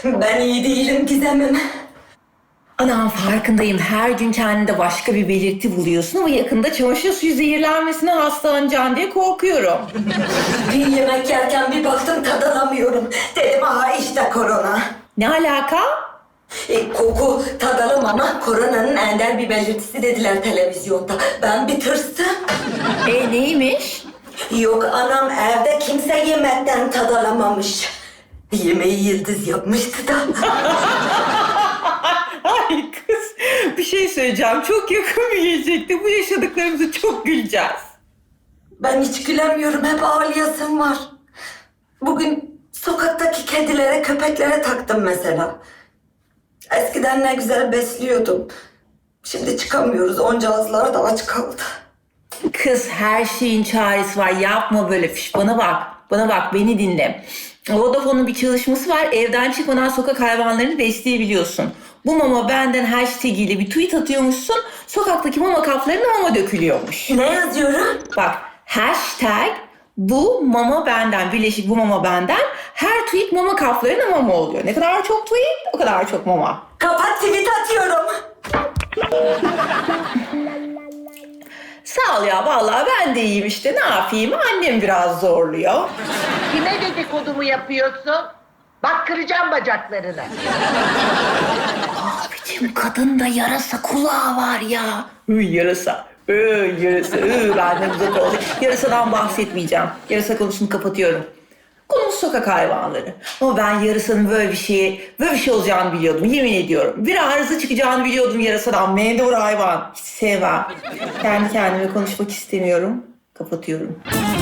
Ben iyi değilim Gizem'im. Anam farkındayım. Her gün kendinde başka bir belirti buluyorsun ama yakında çamaşır suyu zehirlenmesine hastalanacaksın diye korkuyorum. Bir yemek yerken bir baktım tad alamıyorum. Dedim aha işte korona. Ne alaka? Koku tad alamama koronanın ender bir belirtisi dediler televizyonda. Ben bir tırstım. Neymiş? Yok anam evde kimse yemekten tad alamamış. Yemeği Yıldız yapmıştı da. Ay kız, bir şey söyleyeceğim. Çok yakın bir gelecekte bu yaşadıklarımızı çok güleceğiz. Ben hiç gülemiyorum, hep ağlayasım var. Bugün sokaktaki kedilere, köpeklere taktım mesela. Eskiden ne güzel besliyordum. Şimdi çıkamıyoruz, onca ağızlar da aç kaldı. Kız her şeyin çaresi var. Yapma böyle fiş. Bana bak, beni dinle. Vodafone'un bir çalışması var. Evden çıkmadan sokak hayvanlarını besleyebiliyorsun. Bu mama benden hashtag ile bir tweet atıyormuşsun. Sokaktaki mama kaplarına mama dökülüyormuş. Ne yazıyorum? Bak hashtag bu mama benden, birleşik bu mama benden. Her tweet mama kaplarına mama oluyor. Ne kadar çok tweet o kadar çok mama. Kapat, tweet atıyorum. Sağ ol ya, vallahi ben de iyiyim işte, ne yapayım, annem biraz zorluyor. Kime dedikodumu yapıyorsun? Bak kıracağım bacaklarını. Abicim kadında yarasa kulağı var ya. Yarasa. Yarasa. Benden uzak oldu. Yarasadan bahsetmeyeceğim. Yarasa konusunu kapatıyorum. Konumuz sokak hayvanları. Ama ben yarasanın böyle bir şey olacağını biliyordum. Yemin ediyorum. Bir arıza çıkacağını biliyordum yarasadan. Mendebur hayvan. Hiç sevmem. Kendi kendime konuşmak istemiyorum. Kapatıyorum.